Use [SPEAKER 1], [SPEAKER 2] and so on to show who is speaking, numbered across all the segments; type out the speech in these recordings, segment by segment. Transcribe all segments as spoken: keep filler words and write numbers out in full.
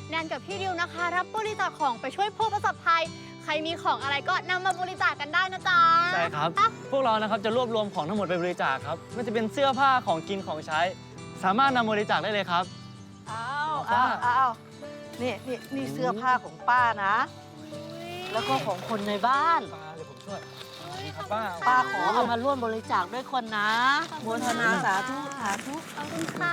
[SPEAKER 1] แนนกับพี่ดิวนะคะรับบริจาคของไปช่วยผู้ประสบภัยใครมีของอะไรก็นำมาบริจาคกันได้นะจ๊ะ
[SPEAKER 2] ใช่ครับพวกเรานะครับจะรวบรวมของทั้งหมดไปบริจาคครับไม่ว่าจะเป็นเสื้อผ้าของกินของใช้สามารถนำบริจาคได้เลยครับ
[SPEAKER 3] อ้าวอ้าวอ้าวนี่นี่นี่เสื้อผ้าของป้านะแล้วก็ของคนในบ้าน
[SPEAKER 2] ป้าเดี๋ยวผมช่วยครับป้า
[SPEAKER 3] ป้าขอเอามาร่วมบริจาคด้วยคนนะโมทนาสาธุสาธุ
[SPEAKER 1] ขอบคุณค่ะ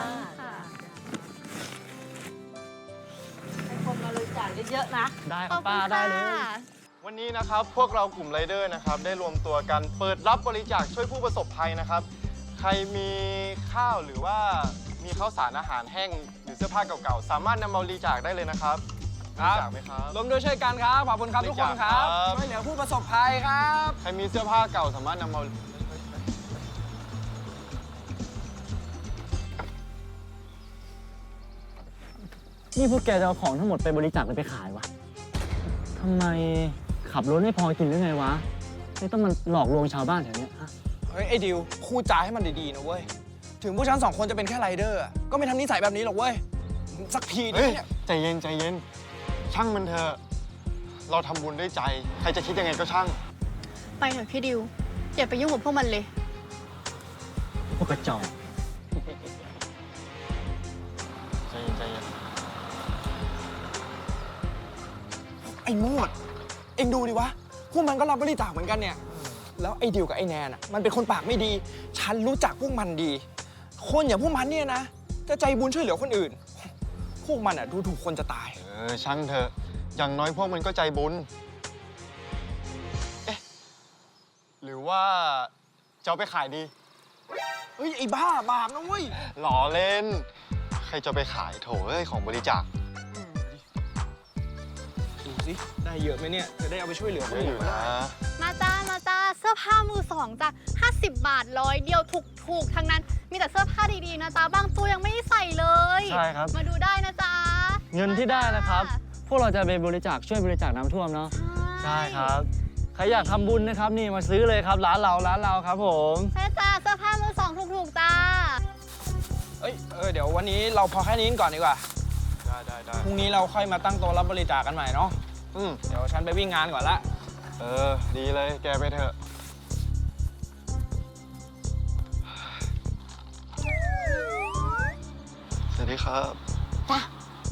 [SPEAKER 3] ให้คนมาบริจาคเยอะๆนะ
[SPEAKER 2] ได้ครับป้าได้เลย
[SPEAKER 4] วันนี้นะครับพวกเรากลุ่มไรเดอร์นะครับได้รวมตัวกันเปิดรับบริจาคช่วยผู้ประสบภัยนะครับใครมีข้าวหรือว่ามีข้าวสารอาหารแห้งหรือเสื้อผ้าเก่าๆสามารถนำมาบริจาคได้เลยนะครับบริจาคไหมครับ
[SPEAKER 5] รวมด้วยช่วยกันครับขอบคุณครับทุกคนครับช่วยเหลือผู้ประสบภัยครับ
[SPEAKER 4] ใครมีเสื้อผ้าเก่าสามารถนำมา
[SPEAKER 2] นี่พวกแกจะเอาของทั้งหมดไปบริจาคหรือไปขายวะทำไมขับรถไม่พอกินหรือไงวะไม่ต้องมันหลอกลวงชาวบ้านแถวนี้ฮะ
[SPEAKER 5] เฮ้ยไอ้ดิวพูดจาให้มันดีๆนะเว้ยถึงพวกฉันสองคนจะเป็นแค่ไรเดอร์ก็ไม่ทำนิสัยแบบนี้หรอกเว้ยสักทีดิ
[SPEAKER 4] เฮ้ย
[SPEAKER 5] เนี่ย
[SPEAKER 4] ใจเย็นใจเย็นช่างมันเถอะเราทำบุญด้วยใจใครจะคิดยังไงก็ช่าง
[SPEAKER 1] ไปเถอะพี่ดิวอย่าไปยุ่งกับพวกมันเลย
[SPEAKER 2] พวกกระจอก
[SPEAKER 4] ใจเย็นใจเย็น
[SPEAKER 5] ไอ้โมดเอ็งดูดิวะพวกมันก็รับบริจาคเหมือนกันเนี่ยแล้วไอ้ดิวกับไอ้แนนอ่ะมันเป็นคนปากไม่ดีฉันรู้จักพวกมันดี คนอย่างพวกมันเนี่ยนะจะใจบุญช่วยเหลือคนอื่น พวกมันอ่ะดูถูกคนจะตาย
[SPEAKER 4] เออช่างเถอะอย่างน้อยพวกมันก็ใจบุญเอ๊ะหรือว่าจะเอาไปขายดี
[SPEAKER 5] เฮ้ยไอ้บ้าบาปนะเว้ย
[SPEAKER 4] หล่อเล่น ใครจะไปขายโถเอ้ยของบริจาค
[SPEAKER 5] ดูสิได้เยอะไหมเนี่ยจะได้เอาไปช่วยเหลือค
[SPEAKER 4] เย
[SPEAKER 5] น
[SPEAKER 4] อะอ
[SPEAKER 5] อื่
[SPEAKER 4] ยู่
[SPEAKER 5] น
[SPEAKER 4] นะ
[SPEAKER 1] มาจ้ามาจ้าเสื้อผ้ามือสองจ้ะห้าสิบบาทร้อยเดียวถูกถูกทั้งนั้น มีแต่เสื้อผ้าดีๆนะจ๊ะบางตัวยังไม่ได้ใส่เลย
[SPEAKER 2] ใช่ครับ
[SPEAKER 1] มาดูได้นะจ๊ะ
[SPEAKER 2] เงินที่ได้นะครับ พวกเราจะไปบริจาคช่วยบริจาคน้ำท่วมเนาะใช่ครับใครอยากทำบุญนะครับนี่มาซื้อเลยครับร้านเราร้านเราครับผม
[SPEAKER 1] ใช่จ้าเสื้อผ้ามือสองถูกๆจ้า
[SPEAKER 5] เอ้ยเออเดี๋ยววันนี้เราพอแค่นี้ก่อนดีกว่า
[SPEAKER 4] ได้ได้ได้
[SPEAKER 5] พรุ่งนี้เราค่อยมาตั้งโต๊ะรับบริจาคกันใหม่เนาะ
[SPEAKER 4] อืม
[SPEAKER 5] เดี๋ยวฉันไปวิ่งงานก่อนละ
[SPEAKER 4] เออ ดีเลยแกไปเถอะ สวัสดีครับ
[SPEAKER 3] จ้ะ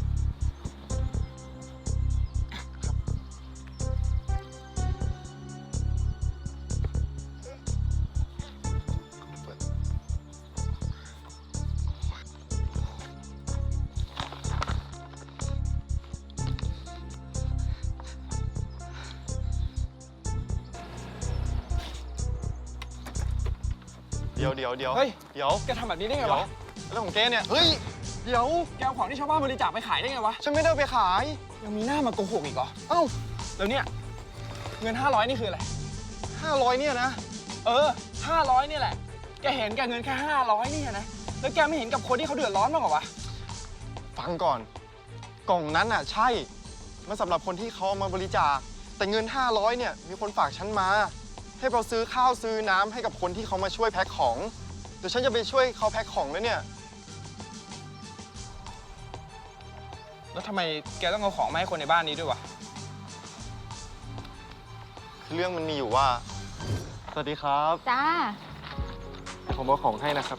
[SPEAKER 4] เดี๋ยวเดี๋ยวเดี๋ยว
[SPEAKER 5] เฮ้ย
[SPEAKER 4] เดี๋ยว
[SPEAKER 5] แกทำแบบนี้ได้ไง
[SPEAKER 4] เดี๋ยว
[SPEAKER 5] วะ
[SPEAKER 4] แล้วของแกเนี่ย เฮ้ย เดี๋ยว
[SPEAKER 5] แกเอาของที่ชาวบ้านบริจาคไปขายได้ไงวะ
[SPEAKER 4] ฉันไม่ได้เอาไปขาย
[SPEAKER 5] ยังมีหน้ามาโกหกอีกเหรอ
[SPEAKER 4] เอ้า
[SPEAKER 5] แล้วเนี่ยเงินห้าร้อยนี่คืออะไร
[SPEAKER 4] ห้าร้อยเนี่ยนะ
[SPEAKER 5] เออห้าร้อยนี่แหละ แกเห็นแกเงินแค่ห้าร้อยนี่นะ แล้วแกไม่เห็นกับคนที่เขาเดือดร้อนบ้างเหรอวะ
[SPEAKER 4] ฟังก่อน กล่องนั้นอ่ะ ใช่ มันสำหรับคนที่เขาเอามาบริจาค แต่เงินห้าร้อยเนี่ย มีคนฝากฉันมา ให้เราซื้อข้าวซื้อน้ำให้กับคนที่เขามาช่วยแพ็คของ เดี๋ยวฉันจะไปช่วยเขาแพ็คของแล้วเนี่ย
[SPEAKER 5] แล้วทำไมแกต้องเอาของมาให้คนในบ้านนี้ด้วยวะ
[SPEAKER 4] เรื่องมันมีอยู่ว่า สวัสดีครับ
[SPEAKER 1] จ้า
[SPEAKER 4] เดี๋ยวผมเอาของให้นะครับ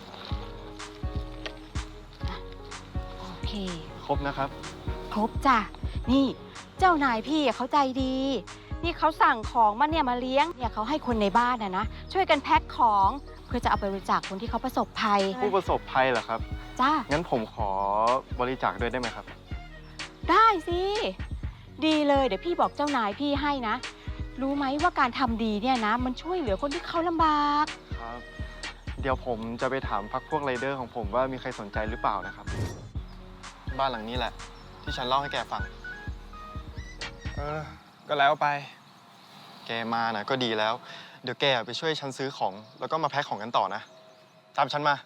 [SPEAKER 6] โอเค
[SPEAKER 4] ครบนะครับ
[SPEAKER 6] ครบจ้ะ นี่เจ้านายพี่อะเขาใจดี นี่เขาสั่งของมาเนี่ยมาเลี้ยง เนี่ยเขาให้คนในบ้านนะนะ ช่วยกันแพ็คของเพื่อจะเอาไปบริจาคคนที่เขาประสบภัย
[SPEAKER 4] ผู้ประสบภัยเหรอครับ
[SPEAKER 6] จ้า
[SPEAKER 4] งั้นผมขอบริจาคด้วยได้ไหมครับ
[SPEAKER 6] ได้สิ ดีเลยเดี๋ยวพี่บอกเจ้านายพี่ให้นะ รู้ไหมว่าการทำดีเนี่ยนะ มันช่วยเหลือคนที่เขาลำบาก
[SPEAKER 4] ครับ เดี๋ยวผมจะไปถามพักพวกไรเดอร์ของผมว่ามีใครสนใจหรือเปล่านะครับ บ้านหลังนี้แหละ ที่ฉันเล่าให้แกฟัง
[SPEAKER 5] เออ ก็แล้วไป
[SPEAKER 4] แกมานะก็ดีแล้ว เดี๋ยวแกไปช่วยฉันซื้อของ แล้วก็มาแพ็คของกันต่อนะ ตามฉันมา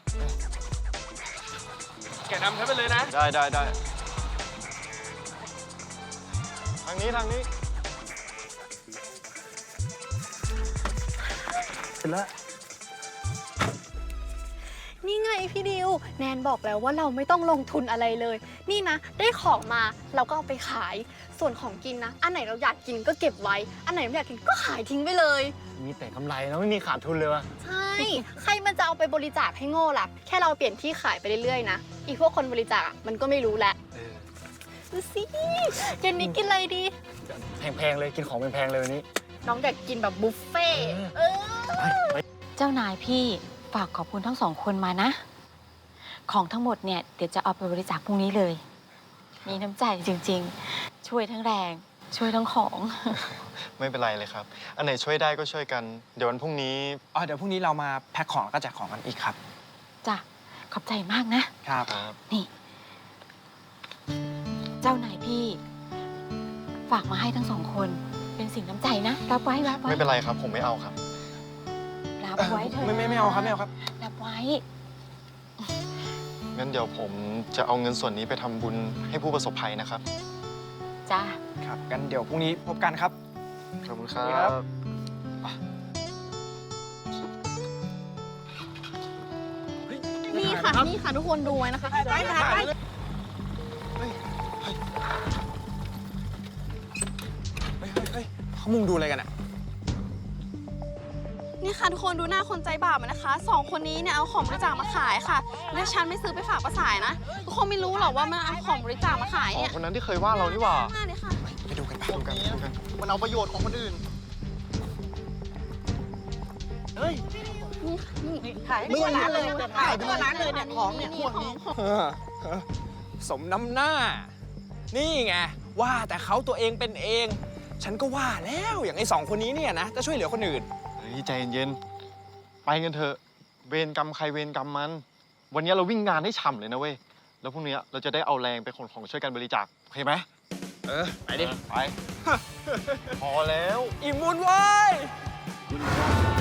[SPEAKER 5] แกนำฉันไปเลยนะ
[SPEAKER 4] ได้ได้ได้ทางนี้ทางนี้
[SPEAKER 2] เสร็จแล้ว
[SPEAKER 1] นี่ไงพี่ดิว แนนบอกแล้วว่าเราไม่ต้องลงทุนอะไรเลย นี่นะ ได้ของมาเราก็เอาไปขาย ส่วนของกินนะ อันไหนเราอยากกินก็เก็บไว้ อันไหนไม่อยากกินก็ขายทิ้งไปเลย
[SPEAKER 2] มีแต่กำไรนะไม่มีขาดทุนเลยวะ
[SPEAKER 1] ใช่ ใครมันจะเอาไปบริจาคให้โง่ล่ะ แค่เราเปลี่ยนที่ขายไปเรื่อยๆนะ อีพวกคนบริจาคอะมันก็ไม่รู้แหละดูสิเย็นนี้กินอะไรดี
[SPEAKER 2] แพงๆเลยกินของแพงๆเลยวันนี้
[SPEAKER 1] น้องอยากกินแบบบุฟเฟ่ต์เออ
[SPEAKER 6] เจ้านายพี่ฝากขอบคุณทั้งสองคนมานะ ของทั้งหมดเนี่ยเดี๋ยวจะเอาไปบริจาคพรุ่งนี้เลย มีน้ำใจจริงๆ ช่วยทั้งแรง ช่วยทั้งของ
[SPEAKER 4] ไม่เป็นไรเลยครับ อันไหนช่วยได้ก็ช่วยกัน เดี๋ยววันพรุ่งนี้
[SPEAKER 5] อ๋อเดี๋ยวพรุ่งนี้เรามาแพ็คของแล้วก็แจกของกันอีกครับ
[SPEAKER 6] จ้ะ ขอบใจมากนะ
[SPEAKER 5] ครับ
[SPEAKER 6] นี่ เจ้านายพี่ ฝากมาให้ทั้งสองคน เป็นสิ่งน้ำใจนะ รับไว้รับไว้
[SPEAKER 4] ไม่เป็นไรครับ ผมไม่เอาครับ
[SPEAKER 6] รับไว้เถอะ
[SPEAKER 5] ไม่ไม่ไม่เอาครับไม่เอาครับ
[SPEAKER 6] รับไว้
[SPEAKER 4] งั้นเดี๋ยวผมจะเอาเงินส่วนนี้ไปทำบุญให้ผู้ประสบภัยนะครับ
[SPEAKER 6] จ้า
[SPEAKER 5] ครับกันเดี๋ยวพรุ่งนี้พบกันครับ
[SPEAKER 4] ขอบคุณครั
[SPEAKER 5] ครับ บ
[SPEAKER 1] นี่ค่ะ นี่ค่ะทุกคนดูไว้นะคะ
[SPEAKER 5] ไปค่ะไปเฮ้ยเฮ้ยเฮ้ยเขามุงดูอะไรกันอ่ะ
[SPEAKER 7] นี่ค่ะทุกคนดูหน้าคนใจบาปอะนะคะสองคนนี้เนี่ยเอาของบริจาคมาขายค่ะ และฉันไม่ซื้อไปฝากป้าสายนะทุกคนไม่รู้หรอกว่ามันเอาของบริจาคมาขาย
[SPEAKER 4] อ๋อ
[SPEAKER 7] เนี่ย
[SPEAKER 4] คนนั้นที่เคยว่าเรานี่หว่า
[SPEAKER 7] หน้าเลยค่ะ
[SPEAKER 5] ไปดูกันไป
[SPEAKER 4] ดูกันดูกัน มันเอาประโยชน์ของคนอื่น
[SPEAKER 3] ขายทั่วร้านเลยขายทั่วร้านเลยเนี่ยของเนี่ยพวกนี้
[SPEAKER 5] เออเออสมน้ำหน้า นี่ไง ว่าแต่เขาตัวเองเป็นเอง ฉันก็ว่าแล้วอย่างไอ้สองคนนี้เนี่ยนะ จะช่วยเหลือคนอื่น
[SPEAKER 4] เฮ้ยใจเย็นๆ ไปกันเถอะ เวรกรรมใครเวรกรรมมัน วันนี้เราวิ่งงานให้ฉ่ำเลยนะเว้ย แล้วพรุ่งนี้เราจะได้เอาแรงไปขนของช่วยกันบริจาคโอเคไหม
[SPEAKER 5] เออ ไปดิ
[SPEAKER 4] ไป พอแล้ว
[SPEAKER 5] อิ่มบุญเว้ย
[SPEAKER 4] คุณ